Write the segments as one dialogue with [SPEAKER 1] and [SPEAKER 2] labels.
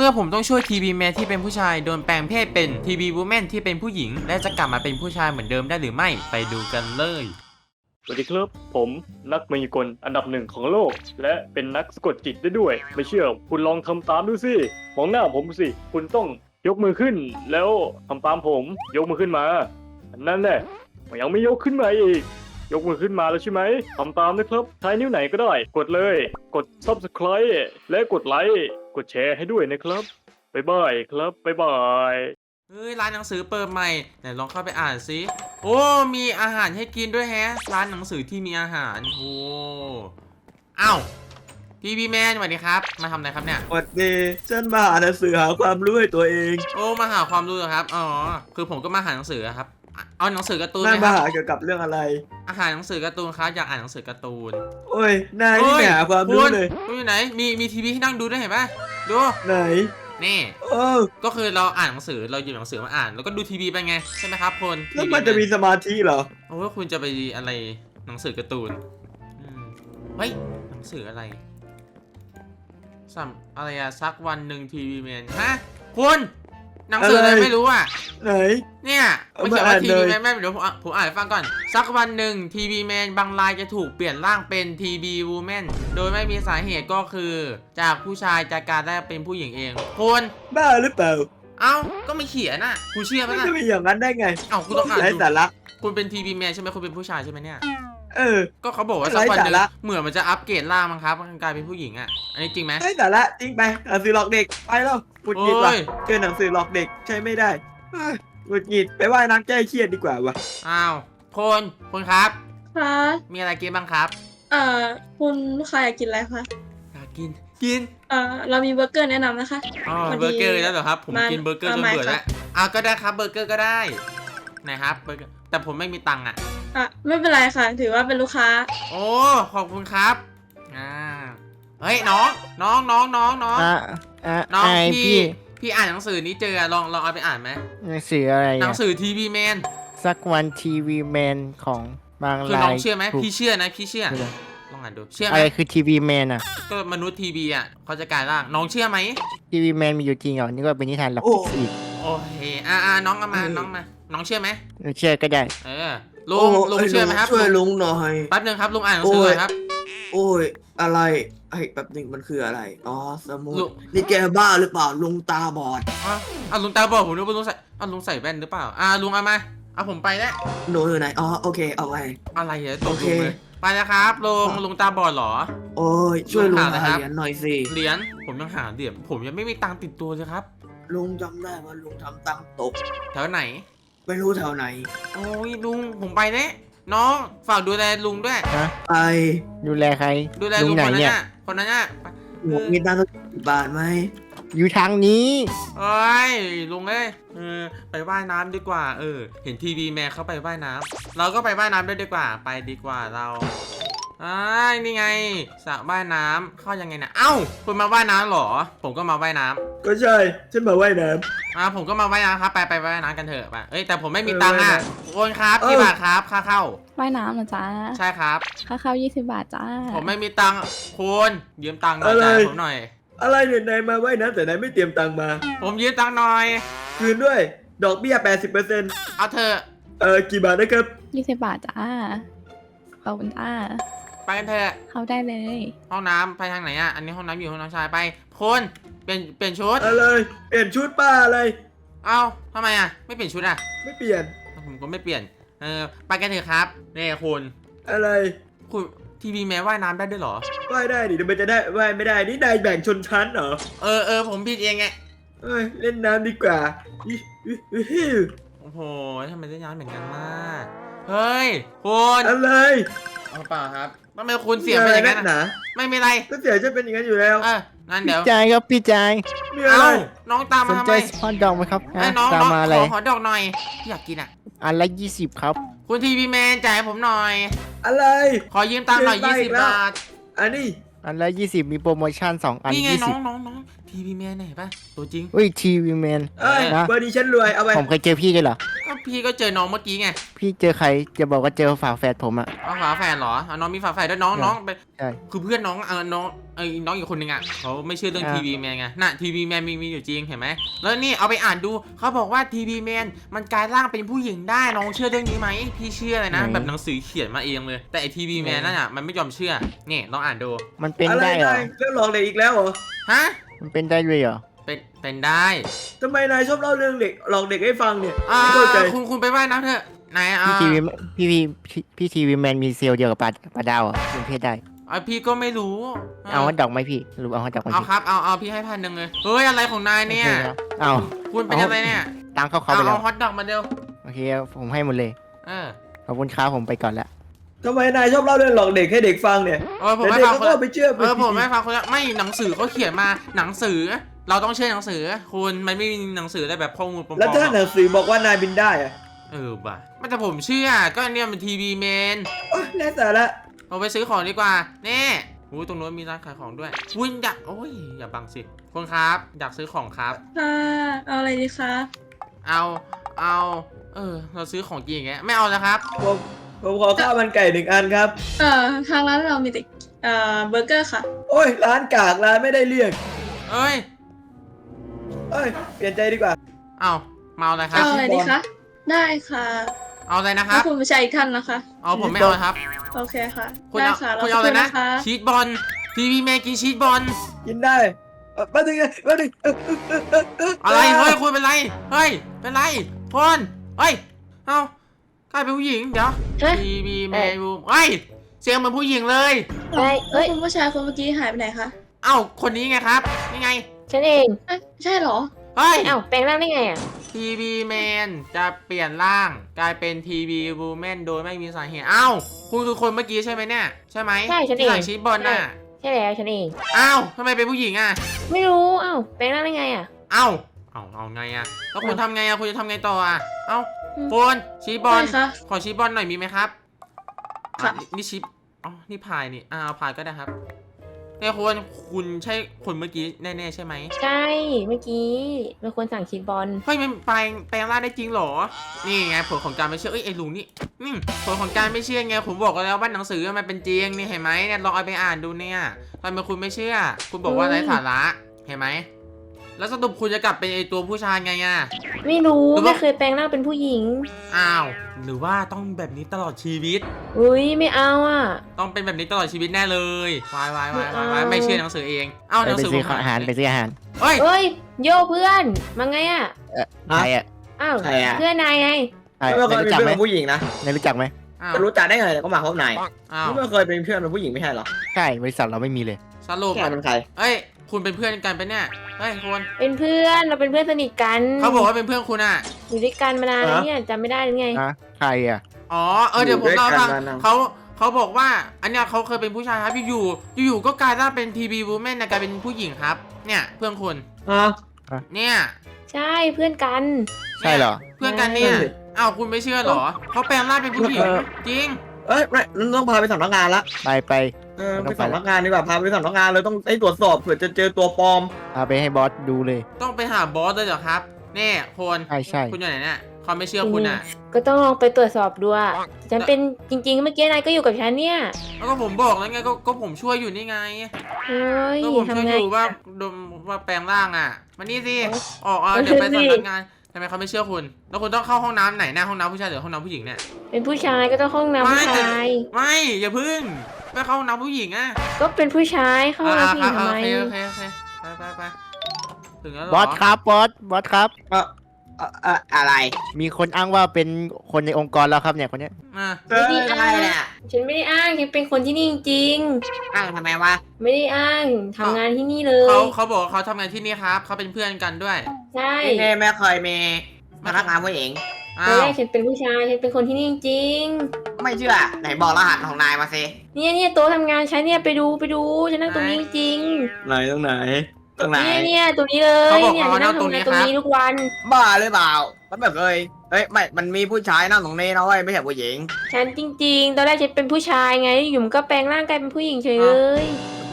[SPEAKER 1] มื่อผมต้องช่วยทีวีแมนที่เป็นผู้ชายโดนแปลงเพศเป็นทีวีวูแมนที่เป็นผู้หญิงและจะกลับมาเป็นผู้ชายเหมือนเดิมได้หรือไม่ไปดูกันเลย
[SPEAKER 2] สวัสดีครับผมนักมายากลอันดับหนึ่งของโลกและเป็นนักสะกดจิตได้ด้วยไม่เชื่อคุณลองทำตามดูสิมองหน้าผมสิคุณต้องยกมือขึ้นแล้วทำตามผมยกมือขึ้นมานั่นแหละยังไม่ยกขึ้นมาอีกยกมือขึ้นมาแล้วใช่ไหมทำตามนะครับใช้นิ้วไหนก็ได้กดเลยกด Subscribe และกดไลค์กดแชร์ให้ด้วยนะครับบ๊ายบายครับบ๊ายบาย
[SPEAKER 1] เฮ้ยร้านหนังสือเปิดใหม่ไหนลองเข้าไปอ่านสิโอ้มีอาหารให้กินด้วยแฮะร้านหนังสือที่มีอาหารโอ้อ้าวทีวีแมนสวัสดีครับมาทำอะไรครับเนี่ย
[SPEAKER 3] สวัสดีฉันมาหาหนังสือหาความรู้ให้ตัวเอง
[SPEAKER 1] โอ้มาหาความรู้เหรอครับอ๋อคือผมก็มาหาหนังสือครับเอาหนังสือการ์ตูนไห
[SPEAKER 3] นาย
[SPEAKER 1] มค
[SPEAKER 3] มา
[SPEAKER 1] รับ
[SPEAKER 3] หาเกี่ยวกับเรื่องอะไร
[SPEAKER 1] อาหารหนังสือการ์ตูนครับอยากอ่านหนังสือการ์ตูน
[SPEAKER 3] โอ้ยนายนี่ไม่หาความรู้เลย
[SPEAKER 1] คุณอยู่ไหนมีทีวีให้นั่งดูด้วยเห็นปะดู
[SPEAKER 3] ไหน
[SPEAKER 1] นี่
[SPEAKER 3] โอ้
[SPEAKER 1] ก็คือเราอ่านหนังสือเราหยิบหนังสือมาอ่านแล้วก็ดูทีวีไปไงใช่ไหมครับคน
[SPEAKER 3] แล้วมันจะมีสมาธิเหรอ
[SPEAKER 1] โอ้คุณจะไปอะไรหนังสือการ์ตูนเฮ้ยหนังสืออะไรอะไรอะสักวันหนึ่งทีวีแมนฮะคุณหนังสืออะไรไม่รู้อ่ะ
[SPEAKER 3] ไหน
[SPEAKER 1] เนี่ยมันเขียนว่าทีวีแมนแม่เดี๋ยวผมอ่านให้ฟังก่อนสักวันหนึ่งทีวีแมนบางรายจะถูกเปลี่ยนร่างเป็นทีวีวูแมนโดยไม่มีสาเหตุก็คือจากผู้ชายจากการได้เป็นผู้หญิงเองคุณ
[SPEAKER 3] บ้าหรือเปล่า
[SPEAKER 1] เอ้าก็ไม่เขียนน่ะคุณเชื่อไหม
[SPEAKER 3] มัน
[SPEAKER 1] ล่ะ
[SPEAKER 3] จะมีอย่างนั้นได้ไง
[SPEAKER 1] เอ้าคุณต้องอ่าน
[SPEAKER 3] ไร้
[SPEAKER 1] ดู
[SPEAKER 3] สาระ
[SPEAKER 1] คุณเป็นทีวีแมนใช่ไหมคุณเป็นผู้ชายใช่ไหมเนี่ย
[SPEAKER 3] เออ
[SPEAKER 1] ก็เขาบอกว่าสักวันหนึ่ง
[SPEAKER 3] ไร้สาระ
[SPEAKER 1] เหมือนมันจะอัปเกรดร่างมั้งครับมันกลายเป็นผู้หญิงอ่ะอันนี้จริงไหม
[SPEAKER 3] ไร้สาระจริงไปหนังสือหลอกเด็กไปแล้วหงุดหงิดว่ะ
[SPEAKER 1] โอ้ย
[SPEAKER 3] เจอหนังสือหลอกเด็กใช้ไม่ได้เอ้ยหงุดหงิดไปว่ายน้ำแก้เครียดดีกว่าวะ
[SPEAKER 1] อ้าวคุณครับ
[SPEAKER 4] คะ
[SPEAKER 1] มีอะไรกินบ้างครับ
[SPEAKER 4] คุณลูกค้าอยากกินอะไรคะ
[SPEAKER 1] อยากกิน
[SPEAKER 4] เรามีเบอร์เกอร์แนะนำนะคะ
[SPEAKER 1] อ๋อ
[SPEAKER 4] พอดี
[SPEAKER 1] เบอร์เกอร์แล้วเหรอครับผม
[SPEAKER 4] มา
[SPEAKER 1] กินเบอร์เกอร์จน
[SPEAKER 4] มา
[SPEAKER 1] เบื่อ
[SPEAKER 4] ค่ะ
[SPEAKER 1] แล้วก็ได้ครับเบอร์เกอร์ก็ได้ไหนครับเบอร์เกอร์แต่ผมไม่มีตังค์อ่ะ
[SPEAKER 4] ไม่เป็นไรค่ะ ถือว่าเป็นลูกค้า
[SPEAKER 1] โอ้ขอบคุณครับเฮ้ยน้องน้อง
[SPEAKER 5] ไอ
[SPEAKER 1] พี่อ่านหนังสือนี้เจอลองเอาไปอ่านไหม
[SPEAKER 5] หนังสืออะไร
[SPEAKER 1] หนังสือทีวีแมน
[SPEAKER 5] สักวันทีวีแมนของบาง
[SPEAKER 1] คือ
[SPEAKER 5] รา
[SPEAKER 1] น้อย งเชื่อไหม
[SPEAKER 5] ถูก
[SPEAKER 1] พี่เชื่อนะพี่เชื่อลองอ่านดูเชื่อไหม
[SPEAKER 5] อะไรคือทีวีแมนอ่ะ
[SPEAKER 1] ก็มนุษย์ทีวีอ่ะเขาจะกลายร่างน้องเชื่อไหม
[SPEAKER 5] ทีวีแมนมีอยู่จริงเหรอนี่ก็เป็นนิทานหลอกอีก
[SPEAKER 1] โอเคน้องเอามาน้องเชื่อไหม
[SPEAKER 5] เชื่อก็ได้
[SPEAKER 1] ลุงเชื่อไหมครับ
[SPEAKER 3] ช่วยลุงหน่อย
[SPEAKER 1] แป๊บนึงครับลุงอ่านหนังสือหน่อยครับ
[SPEAKER 3] โอ้ยอะไรไอ้แป๊บหนึงมันคืออะไรอ๋อสมุด
[SPEAKER 1] ลุง
[SPEAKER 3] นี่แกบ้าหรือเปล่าลุงตาบอด
[SPEAKER 1] ลุงตาบอกผมนึกว่าลุงใส่ลุงใส่แว่นหรือเปล่าลุงเอามาผมไปแล้ว
[SPEAKER 3] หนูอยู่ไหนอ๋อโอเคเอาไป
[SPEAKER 1] อะไรเหรอต
[SPEAKER 3] โอก เค
[SPEAKER 1] ลุงเลยไปแล้วครับลุงตาบอดเหรอ
[SPEAKER 3] โอ้ยช่วยลุง
[SPEAKER 1] ลุงหาอะไร
[SPEAKER 3] หา
[SPEAKER 1] ครับ
[SPEAKER 3] เหรียญหน่อยสิ
[SPEAKER 1] เหรียญผมยังหาเหรียญผมยังไม่มีตังค์ติดตัวเลยครับ
[SPEAKER 3] ลุงจำได้ว่าลุงทำตังค์ตก
[SPEAKER 1] แถวไหน
[SPEAKER 3] ไม่รู้แถวไหน
[SPEAKER 1] โอ้ยลุงผมไปแล้วน้องฝากดูแลลุงด้วย
[SPEAKER 3] ไป
[SPEAKER 5] ดูแลใคร
[SPEAKER 1] ดูแล
[SPEAKER 5] ลุ
[SPEAKER 1] ลุ
[SPEAKER 5] ง
[SPEAKER 1] ง
[SPEAKER 5] ไหน
[SPEAKER 1] คนนั้น
[SPEAKER 5] เนี่ย
[SPEAKER 1] น่ะคนนั้นน่ะ
[SPEAKER 3] หนูมีตังค์สัก10 บาทไหม
[SPEAKER 5] อยู่ทางนี้
[SPEAKER 1] เอ้ยลุงเอ้ยไปว่ายน้ำดีกว่าเห็นทีวีแมนเขาไปว่ายน้ำเราก็ไปว่ายน้ำด้วยดีกว่าไปดีกว่าเรานี่ไงสระว่ายน้ำเข้ายังไงนะเอ้าคุณมาว่ายน้ำเหรอ ผมก็มาว่ายน้ำ
[SPEAKER 3] ก็ใช่ฉันมาว่ายน้
[SPEAKER 1] ผมก็มาว่ายน้ำครับไปว่ายน้ำกันเถอะไปแต่ผมไม่มีตังค์อ่ะโอนครับกี่บาทครับค่าเข้า
[SPEAKER 6] ว่ายน้ำเหรอจ๊ะ
[SPEAKER 1] ใช่ครับ
[SPEAKER 6] ค่าเข้า20 บาทจ้า
[SPEAKER 1] ผมไม่มีตังค์คุณยืมตังค์หน่อยจ่ายผมหน่อย
[SPEAKER 3] ำอะไรเนี่ยนายมาว่ายน้ำแต่นายไม่เตรียมตังค์มา
[SPEAKER 1] ผมยืมตังค์หน่อย
[SPEAKER 3] คืนด้วย ดอกเบี้ย 80%
[SPEAKER 1] เอาเถอะ
[SPEAKER 3] กี่บาทนะครับ
[SPEAKER 6] 20 บาทจ้าขอบคุณจ้า
[SPEAKER 1] ไปกันเถอะ
[SPEAKER 6] เข้าได้เลย
[SPEAKER 1] ห้องน้ำไปทางไหนอ่ะอันนี้ห้องน้ำอยู่ห้องน้ำชายไปคุณเปลี่ยนชุด
[SPEAKER 3] อะไรเปลี่ยนชุดป้าอะไร
[SPEAKER 1] เอ้าทำไมอ่ะไม่เปลี่ยนชุดอ่ะ
[SPEAKER 3] ไม่เปลี่ยน
[SPEAKER 1] ผมก็ไม่เปลี่ยนไปกันเถอะครับนี่คุณ
[SPEAKER 3] อะไร
[SPEAKER 1] คุณทีวีแมนว่ายน้ำได้ด้วยเหรอ
[SPEAKER 3] ว่ายได้ดิเดี๋ยวมันจะได้ว่ายไม่ได้นี่นายแบ่งชนชั้นเหรอ
[SPEAKER 1] ผมผิดเองไง
[SPEAKER 3] เอ้ยเล่นน้ำดีกว่าอิ๊ว
[SPEAKER 1] โอ้โหทำไมได้ย้อนเหมือนกันมากเฮ้ยคุณ
[SPEAKER 3] อะไร
[SPEAKER 1] เอาเปล่าครับทำไมคุณเสียงเป็นอย่างนั้น
[SPEAKER 3] หนา
[SPEAKER 1] ไม่มีไร
[SPEAKER 3] ก็เสียฉันเป็นอย่างนั้นอยู่แล้ว
[SPEAKER 1] นั่น
[SPEAKER 5] พี่
[SPEAKER 1] เดี๋ยว
[SPEAKER 5] จายครับพี่จาย
[SPEAKER 3] มีอะไร
[SPEAKER 1] น้องตาม
[SPEAKER 5] ส
[SPEAKER 1] มาน ทำ
[SPEAKER 5] ใจ
[SPEAKER 1] ไม
[SPEAKER 5] ฮอตดอกไหมครับ
[SPEAKER 1] น้อง
[SPEAKER 5] ตามมาอะไร
[SPEAKER 1] ขอดอกหน่อยอยากกินอ่ะ
[SPEAKER 5] อันละ20ครับ
[SPEAKER 1] คุณทีวีแมนจ่ายให้ผมหน่อย
[SPEAKER 3] อะไร
[SPEAKER 1] ขอยืมตังค์หน่อย
[SPEAKER 3] เกินไปอีก
[SPEAKER 1] 20
[SPEAKER 3] แล้ว
[SPEAKER 1] บาท
[SPEAKER 3] อันนี้
[SPEAKER 5] อันละ20มีโปรโมชั่น2อัน
[SPEAKER 1] นี่ไงน้อง
[SPEAKER 5] 20
[SPEAKER 1] ทีทีวีแมนเนี่ยเห็นปะตัวจริง
[SPEAKER 5] อุ้ยทีวีแมน
[SPEAKER 3] เอ้ย
[SPEAKER 5] นะ
[SPEAKER 3] เบอร์นี้ฉันรวยเอาไป
[SPEAKER 5] ผมเคยเจอพี่ด้วยเหรอ
[SPEAKER 1] ก็พี่ก็เจอน้องเมื่อกี้ไง
[SPEAKER 5] พี่เจอใครจะบอกว่าเจอฝาแฝดผมอะ
[SPEAKER 1] เอาฝาแฝดเหรอเอาน้องมีฝาแฝดด้วยน้อง
[SPEAKER 5] ใช่
[SPEAKER 1] น้องไป
[SPEAKER 5] ใช่
[SPEAKER 1] คือเพื่อนน้องน้องน้องอีกคนนึงอ่ะเขาไม่เชื่อเรื่อง
[SPEAKER 5] อ่า
[SPEAKER 1] ทีวีแมนไงน่ะทีวีแมนมีอยู่จริงเห็นไหมแล้วนี่เอาไปอ่านดูเขาบอกว่าทีวีแมนมันกลายร่างเป็นผู้หญิงได้น้องเชื่อเรื่องนี้ไหมพี่เชื่อเลยนะแบบหนังสือเขียนมาเองเลยแต่ไอทีวีแมนนั่นอ่ะมันไม่ยอมเชื่อนี่ลองอ่านดู
[SPEAKER 5] มันเป็น
[SPEAKER 3] อะไร
[SPEAKER 5] ได้เหรอ
[SPEAKER 3] นายเรื่องหลอกเด็กอีกแล้วเหรอ
[SPEAKER 1] ฮะ
[SPEAKER 5] มันเป็นได้ด้วยเหรอ
[SPEAKER 1] เป็นได้
[SPEAKER 3] ทำไมนายชอบเล่าเรื่องเด็กหลอกเด็กให้ฟังเนี่ย
[SPEAKER 1] อ่า
[SPEAKER 3] ไม่เข้าใจ
[SPEAKER 1] คุณไปว่ายน้ำเถอะไหนอ่ะ
[SPEAKER 5] พี่ทีวีพี่ทีวีแมนมีเซลล์เดียวกับปลาดาวเหรอ่ะเป็นเพศได้
[SPEAKER 1] พี่ก็ไม่รู้
[SPEAKER 5] เอาฮอตดอกไหมพี่หรือเอาฮอตดอกไหม
[SPEAKER 1] เอา
[SPEAKER 5] พี่
[SPEAKER 1] ครับเอาพี่ให้1,000เลยเฮ้ยอะไรของนายเนี่ย
[SPEAKER 5] โอคครับเอา
[SPEAKER 1] คุณเป็นอะไรเนี่ย
[SPEAKER 5] ตังค์เขาไปแล้ว
[SPEAKER 1] เอาฮอตดอกมาเร็ว
[SPEAKER 5] โอเคครับผมให้หมดเลย
[SPEAKER 1] เออ
[SPEAKER 5] ขอบคุณครับผมไปก่อนละ
[SPEAKER 3] ทำไมนายชอบเล่าเรื่องหลอกเด็กให้เด็กฟังเนี่ย
[SPEAKER 1] ผม
[SPEAKER 3] แต่
[SPEAKER 1] ไม่
[SPEAKER 3] เด็ก
[SPEAKER 1] ฟัง
[SPEAKER 3] เขา
[SPEAKER 1] คน
[SPEAKER 3] ก็
[SPEAKER 1] ละ
[SPEAKER 3] ไปเชื่อ
[SPEAKER 1] ผมไม่ฟังคนละไม่หนังสือเขาเขียนมาหนังสือ เราต้องเชื่อหนังสือคุณมันไม่มีหนังสือได้แบบข้อมูลปลอมๆ
[SPEAKER 3] แล้วถ้าหนังสือบอกว่านายบินได้อะ
[SPEAKER 1] ว่ะไม่แต่ผมเชื่อก็อันเนี่ยมันทีวีแมน
[SPEAKER 3] โอ๊ยแน่สาระ
[SPEAKER 1] เราไปซื้อของดีกว่าแน่ตรงโน้นมีร้านขายของด้วยคุณอยากอย่าบังสิคุณครับอยากซื้อของครับ
[SPEAKER 4] ค่ะเอาอะไรดีคะ
[SPEAKER 1] เอาเราซื้อของกินอย่างเงี้ยไม่เอาแล้วครับ
[SPEAKER 3] ผมขอข้าวมันไก่1 อันครับ
[SPEAKER 4] ทางร้านเรามีแต่เบอร์เกอร์ค่ะ
[SPEAKER 3] โอ้ยร้านกากร้านไม่ได้เรียก
[SPEAKER 1] เอ้ย
[SPEAKER 3] เอ้ยเปลี่ยนใจดีกว่า
[SPEAKER 1] เอามาเอาอะไรครับ
[SPEAKER 4] เอาอะไรดีคะ ได้ค่ะ
[SPEAKER 1] เอาอะไรนะค
[SPEAKER 4] แล้
[SPEAKER 1] รั
[SPEAKER 4] ว
[SPEAKER 1] บ
[SPEAKER 4] คุณผู้ชายอีกท่านนะคะ
[SPEAKER 1] เอาผมไม่เอาครับ
[SPEAKER 4] โอเคค่ะ
[SPEAKER 1] คุณ
[SPEAKER 4] ได้
[SPEAKER 1] เอา
[SPEAKER 4] ค่ะ
[SPEAKER 1] คุณเอาอะไรนะ
[SPEAKER 4] สักครู่
[SPEAKER 1] ชีสบอลทีวีแมนกินชีสบอล
[SPEAKER 3] กินได้มาถึงมาถึง
[SPEAKER 1] อะไรเฮ้ยคุณเป็นไรเฮ้ยเป็นไรคนเฮ้ยเอากลายเป็นผู้หญิงเดี๋ยว
[SPEAKER 7] ฮะ
[SPEAKER 1] ทีวีแมนรูมเฮ้ยเสียงเหมือนผู้หญิงเลย
[SPEAKER 7] ได้
[SPEAKER 4] เอ้
[SPEAKER 7] เอ้
[SPEAKER 4] ย
[SPEAKER 7] ย
[SPEAKER 4] คุณผู้ชายคนเมื่อกี้หายไปไหนคะ
[SPEAKER 1] เอ้าคนนี้ไงครับนี่ไง
[SPEAKER 7] ฉันเอง
[SPEAKER 4] เอ้ยใช่เหรอ
[SPEAKER 1] เฮ้ย
[SPEAKER 7] เอ้าแปลงร่างได้ไงอ่ะ
[SPEAKER 1] ทีวีแมนจะเปลี่ยนร่างกลายเป็นทีวีวูแมนโดยไม่มีสาเหตุเอ้าคุณคือคนเมื่อกี้ใช่ไหมเนี่ยใช่ไหม
[SPEAKER 7] ใช่ฉันเอง
[SPEAKER 1] ที่สั่งชีสบอลน่ะ
[SPEAKER 7] ใช่แล้วฉันเอง
[SPEAKER 1] เอ้าทำไมเป็นผู้หญิงอ่ะ
[SPEAKER 7] ไม่รู้เอ้าแปลงร่างได้ไงอ่ะ
[SPEAKER 1] เอ้าเอาไงอ่ะแล้วคุณทำไงอ่ะคุณจะทำไงต่ออ่ะเอ้า
[SPEAKER 4] อืม
[SPEAKER 1] โฟนชีสบอล
[SPEAKER 4] ได้ค่ะ
[SPEAKER 1] ขอชีสบอลหน่อยมีไหมครับ
[SPEAKER 4] ค่ะ
[SPEAKER 1] นี่ชีสอ๋อนี่พายนี่เอาพายก็ได้ครับเนี่ยคุณใช่คนเมื่อกี้แน่ๆใช่ไหม
[SPEAKER 7] ใช่เมื่อกี้เป็นคนสั่งชีสบอล
[SPEAKER 1] เฮ้ยมันแปลงร่างได้จริงเหรอนี่ไงผลของการไม่เชื่อไอ้ลุงนี่ผลของการไม่เชื่อไงผมบอกแล้วว่าหนังสือมันเป็นจริงนี่เห็นไหมเนี่ยลองเอาไปอ่านดูเนี่ยทำไมคุณไม่เชื่อ คุณบอกว่าไร้สาระเห็นไหมแล้วสรุปคุณจะกลับเป็นไอ้ตัวผู้ชายไงอ่ะ
[SPEAKER 7] ไม่รู้
[SPEAKER 1] หรือว่า
[SPEAKER 7] ไม่เคยแปลงร่างเป็นผู้หญิง
[SPEAKER 1] อ้าวหรือว่าต้องแบบนี้ตลอดชีวิต
[SPEAKER 7] อุ้ยไม่เอาอ่ะ
[SPEAKER 1] ต้องเป็นแบบนี้ตลอดชีวิตแน่เลยวาย
[SPEAKER 7] ไม่เอา
[SPEAKER 1] ไม่เชื่อหนังสือเองเอ้าห
[SPEAKER 5] ไป
[SPEAKER 1] นังสือ
[SPEAKER 5] ซื้อ
[SPEAKER 1] ผม
[SPEAKER 5] อาหารไปซื้ออาหาร
[SPEAKER 1] เฮ้ย
[SPEAKER 7] เอ้ยโยเพื่อนมาไงอ่ะ
[SPEAKER 5] ใครอ่ะ
[SPEAKER 7] อ้าว
[SPEAKER 3] ใครอะ
[SPEAKER 7] เพื่อนนายไง
[SPEAKER 5] ใคร
[SPEAKER 3] ไม่เค
[SPEAKER 5] นาย
[SPEAKER 3] ย
[SPEAKER 5] รู้
[SPEAKER 3] เป็น
[SPEAKER 5] จัก
[SPEAKER 3] เพื่อน
[SPEAKER 5] ไหม
[SPEAKER 3] กับผู้หญิงนะ
[SPEAKER 5] นายรู้จักไหม
[SPEAKER 1] อ้าว
[SPEAKER 3] จะรู้จักได้ไงก็มาพบนาย
[SPEAKER 1] อ้าว
[SPEAKER 3] ไม่เคยเป็นเพื่อนกับผู้หญิงไม่ใช่เหรอ
[SPEAKER 5] ใช่บริษัทเราไม่มีเลย
[SPEAKER 1] สรุป
[SPEAKER 3] แกเป็นใคร
[SPEAKER 1] เอ้ยคุณเป็นเพื่อนกันปะเนี่ยเฮ้ยคุณ
[SPEAKER 7] เป็นเพื่อนเราเป็นเพื่อนสนิทกัน
[SPEAKER 1] เขาบอกว่าเป็นเพื่อนคุณอ่ะ
[SPEAKER 7] อยู่ด้วยกันมานานแล้วเนี่ยจำไม่ได้หรือไง
[SPEAKER 5] นะใครอ่ะ
[SPEAKER 1] อ๋อเดี๋ยวผมเล่าให้ฟัง
[SPEAKER 3] อยู่ด้วยกันนานๆ
[SPEAKER 1] เขาบอกว่าอันเนี้ยเขาเคยเป็นผู้ชายครับอยู่ก็กลายร่างเป็นทีวีวูแมนกลายเป็นผู้หญิงครับ เนี่ยเพื่อนคุณ
[SPEAKER 3] ฮะ
[SPEAKER 1] เนี่ย
[SPEAKER 7] ใช่เพื่อนกัน
[SPEAKER 5] ใช่เหรอ
[SPEAKER 1] เพื่อนกันเนี่ย
[SPEAKER 3] ใช่สิ
[SPEAKER 1] อ้าวคุณไม่เชื่อเหรอเขาแปลงร่างเป็นผู้หญิง
[SPEAKER 3] เออ
[SPEAKER 1] จริง
[SPEAKER 3] เอ้ยไม่ต้องพาไปสำนักงานละ
[SPEAKER 5] ไป
[SPEAKER 3] ไปสำนักงานดีกว่าพาไปสำนักงานเลยต้องให้ตรวจสอบเผื่อจะเจอตัวปลอม
[SPEAKER 5] พาไปให้บอสดูเลย
[SPEAKER 1] ต้องไปหาบอสเลยเหรอครับนี่คน
[SPEAKER 5] ใช่
[SPEAKER 1] คุณอยู่ไหนเนี่ยเขาไม่เชื่อคุณอ่ะ
[SPEAKER 7] ก็ต้องลองไปตรวจสอบดูอะฉันเป็นจริงๆ เมื่อกี้นายก็อยู่กับฉันเนี่ย
[SPEAKER 1] แล้วก็ผมบอกแล้วไงก็ผมช่วยอยู่นี่ไง
[SPEAKER 7] เฮ้ย
[SPEAKER 1] ก็ผมช่วย
[SPEAKER 7] ทำไง
[SPEAKER 1] อยู่ว่าแปลงร่างอ่ะมานี่สิออก
[SPEAKER 7] เออ
[SPEAKER 1] เดี๋ยวไป
[SPEAKER 7] สิ
[SPEAKER 1] สำนักงานทำไมเขาไม่เชื่อคุณ แล้วคุณต้องเข้าห้องน้ำไหนหน้าห้องน้ำผู้ชายหรือห้องน้ำผู้หญิงเนี่ย
[SPEAKER 7] เป็นผู้ชายก็ต้องห้องน้ำ
[SPEAKER 1] ไม่
[SPEAKER 7] ผู้
[SPEAKER 1] แต่
[SPEAKER 7] ชาย
[SPEAKER 1] ไม่อย่าพึ่งไปเข้าห้องน้ำผู้หญิงอ่ะ
[SPEAKER 7] ก็เป็นผู้ชายเข้าห้องน้ำผู้หญิงทำไม
[SPEAKER 1] โอเคไปถึงแล้วเหร
[SPEAKER 5] บอสครับบอสครับ
[SPEAKER 3] อะไร
[SPEAKER 5] มีคนอ้างว่าเป็นคนในองค์กรแล้วครับเนี่ยคนเนี้ย
[SPEAKER 1] อ่ะ
[SPEAKER 7] ไม่ได้อ้างฉันไม่ได้อ้างฉันเป็นคนที่นี่จริง
[SPEAKER 3] อ้างทำไมวะ
[SPEAKER 7] ๆไม่ได้อ้างทำงานที่นี่เลย
[SPEAKER 1] เขาบอกว่าเขาทำงานที่นี่ครับเขาเป็นเพื่อนกันด้วย
[SPEAKER 7] ใช่
[SPEAKER 3] นี่แม่เคยมีพนักงานผู้หญิง
[SPEAKER 1] อ้า
[SPEAKER 7] ตอน
[SPEAKER 1] ว
[SPEAKER 7] แรกฉันเป็นผู้ชายฉันเป็นคนที่นี่จริง
[SPEAKER 3] ไม่เชื่อไหนบอกรหัสของนายมาสิ
[SPEAKER 7] ๆเนี่ยโต๊ะทำงานฉันเนี่ยไปดูฉันนั่งตรงนี้จริง
[SPEAKER 3] ไหนตรงไหนตรงไหน
[SPEAKER 7] เนี่ยตรงนี้เลยเนี่ยฉันนั่งทำงานตรงนี้ทุกวัน
[SPEAKER 3] บ้าหรือเปล่ามันไม่เคยเฮ้ยไม่มันมีผู้ชายนั่งตรงนี้นะเว้ยไม่ใช่ผู้หญิง
[SPEAKER 7] ฉันจริงๆ ตอนแรกฉันเป็นผู้ชายไงอยู่มันก็แปลงร่างกายเป็นผู้หญิงเฉยเลย
[SPEAKER 3] ม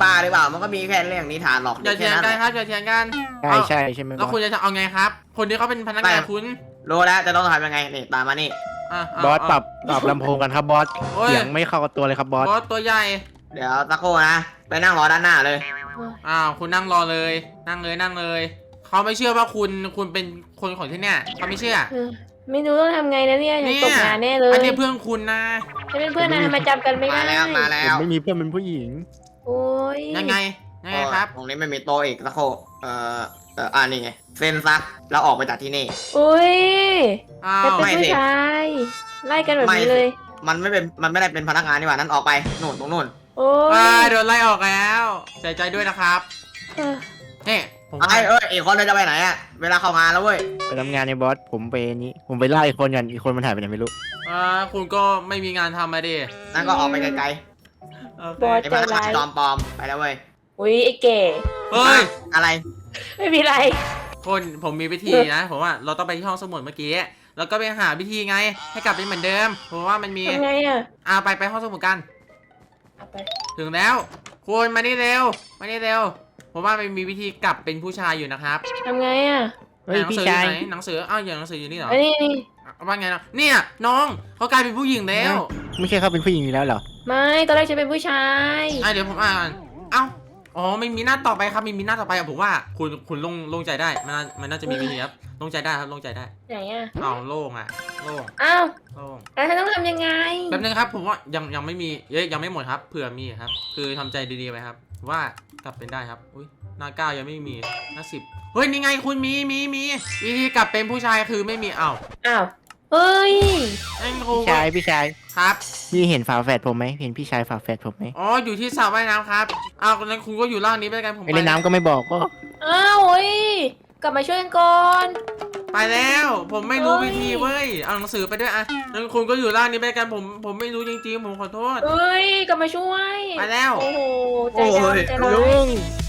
[SPEAKER 3] บ้าหรือเปล่ามันก็มีแค่เรื่องนิทานหรอก
[SPEAKER 1] อย่าเถียงกันครับอย่าเถียงกัน
[SPEAKER 5] ใช่ใช่ใช่ไหม
[SPEAKER 1] แล้วคุณจะเอาไงครับ คนที่เขาเป็นพนักงานคุณ
[SPEAKER 3] รู้แล้วจะต้องทำยังไงนี่ตามมานี่
[SPEAKER 5] บอสปรับลำโพงกันครับบอส
[SPEAKER 1] โอ้ย
[SPEAKER 5] เสียงไม่เข้ากับตัวเลยครับบอส
[SPEAKER 1] บอสตัวใหญ่
[SPEAKER 3] เดี๋ยวตะโกนะไปนั่งรอด้านหน้าเลย
[SPEAKER 1] อ้าวคุณนั่งรอเลยนั่งเลยเขาไม่เชื่อว่าคุณเป็นคนของที่เนี่ยเขาไม่เชื่อ
[SPEAKER 7] ไม่รู้ต้องทำไงนะเนี่ยฉันตกงานแน่เลย
[SPEAKER 1] อันนี้เพื่อนคุณนะ
[SPEAKER 7] ฉันเป็นเพื่อนนายทำไมจำกันไม่ได้
[SPEAKER 3] มาแล้
[SPEAKER 5] ผม
[SPEAKER 3] ว
[SPEAKER 5] ไม่มีเพื่อนเป็นผู้หญิง
[SPEAKER 7] โอ้ย
[SPEAKER 1] ยังไงครับ
[SPEAKER 3] ตรงนี้ไม่มีโต๊ะอีกตะโกนี่ไงเซ็นซักแล้วออกไปจากที่นี่
[SPEAKER 7] อุ้ย
[SPEAKER 1] อ้า
[SPEAKER 7] ฉัน
[SPEAKER 1] ว
[SPEAKER 7] เป็น
[SPEAKER 3] ไม่
[SPEAKER 7] ผู้
[SPEAKER 3] สิ
[SPEAKER 7] ชายไล่กันแบบนี้เลย
[SPEAKER 3] มันไม่ได้เป็นพนักงานนี่หว่านั่นออกไปนู่นตรงนู่น
[SPEAKER 7] โอ้ย
[SPEAKER 1] โดนไล่ออกแล้วเสียใจด้วยนะครับ
[SPEAKER 7] เออ
[SPEAKER 1] นี่ผม
[SPEAKER 3] อีกคนเลยจะไปไหนอะเวลาเข้างานแล้วเว้ย
[SPEAKER 5] ไปทำงานในบอสผมไปนี้ผมไปไล่อีกคนกันอีกคนมันหายไปไหนไม่รู้
[SPEAKER 1] คุณก็ไม่มีงานทำมาดิ
[SPEAKER 3] นั่นก็ออกไปไกล
[SPEAKER 1] โอเค
[SPEAKER 7] บอส
[SPEAKER 3] ๆไอ้พนักงานจอมปลอมไปแล้วเว้ย
[SPEAKER 7] อุ้ยไอ้แก่
[SPEAKER 1] เฮ้ย
[SPEAKER 3] อะไร
[SPEAKER 7] ไม่มีไร
[SPEAKER 1] คนผมมีวิธีนะผมว่าเราต้องไปที่ห้องสมุดเมื่อกี้แล้วก็ไปหาวิธีไงให้กลับเป็นเหมือนเดิมผมว่ามันมี
[SPEAKER 7] ทำไงอ่ะ
[SPEAKER 1] ไปห้องสมุดกัน
[SPEAKER 7] เอาไป
[SPEAKER 1] ถึงแล้วคุณมานี่เร็วผมว่ามันมีวิธีกลับเป็นผู้ชายอยู่นะครับ
[SPEAKER 7] ทำไงอ่ะ
[SPEAKER 5] เฮ้ย
[SPEAKER 1] หนั
[SPEAKER 5] พี่
[SPEAKER 1] สือ
[SPEAKER 5] ชาย
[SPEAKER 1] อยู่ไหนหนังสืออ้าวอย่างหนังสืออยู่นี่เหรอ
[SPEAKER 7] อันนี้นี่
[SPEAKER 1] ว่าไงนะเนี่ยน้องเขากลายเป็นผู้หญิงแล้ว
[SPEAKER 5] ไม่ใช่เขาเป็นผู้หญิงอยู่แล้วเหรอ
[SPEAKER 7] ไม่ตอนแรกฉันเป็นผู้ชาย
[SPEAKER 1] เดี๋ยวผมอ่านเอ้าอ๋อไม่มีหน้าต่อไปครับมีหน้าต่อไปผมว่าคุณโล่งใจได้มันน่าจะมีวิธีครับโล่งใจได้ครับโล่งใจได้
[SPEAKER 7] ไหนอ่ะ
[SPEAKER 1] อ้าวโล่งอ่ะโล่ง
[SPEAKER 7] อ้าว
[SPEAKER 1] โล่ง
[SPEAKER 7] แล้วฉันต้องทำยังไง
[SPEAKER 1] แป๊บนึงครับผมว่ายังไม่มียังไม่หมดครับเผื่อมีครับ คือทำใจดีๆไว้ครับว่ากลับเป็นได้ครับอุ้ยหน้าเก้ายังไม่มีหน้า10เฮ้ยนี่ไงคุณมีวิธีกลับเป็นผู้ชายคือไม่มีอ้าว
[SPEAKER 7] อ้าวเฮ้ย
[SPEAKER 1] ไอ้ครู
[SPEAKER 5] พี่ชาย
[SPEAKER 1] ครับ
[SPEAKER 5] พี่เห็นฝาแฝดผมไหมเห็นพี่ชายฝาแฝดผมไหม
[SPEAKER 1] อ๋ออยู่ที่สระว่ายน้ำครับอ้าวงั้นคุณก็อยู่ล่างนี้ไปกันผม
[SPEAKER 5] ไปเล่นน้ำก็ไม่บอกก็
[SPEAKER 7] อ้าวเฮ้ยกลับมาช่วยกันก่อน
[SPEAKER 1] ไปแล้ว ผมไม่รู้วิธีเว้ยเอาหนังสือไปด้วยอ่ะงั้นคุณก็อยู่ล่างนี้ไปกันผมไม่รู้จริงๆผมขอโทษ
[SPEAKER 7] เฮ้ยกลับมาช่วย
[SPEAKER 1] ไปแล้ว
[SPEAKER 7] โอ้โหใจ
[SPEAKER 3] โอ้
[SPEAKER 7] ร้าย
[SPEAKER 3] ย
[SPEAKER 7] ใจร้าย
[SPEAKER 5] ลุง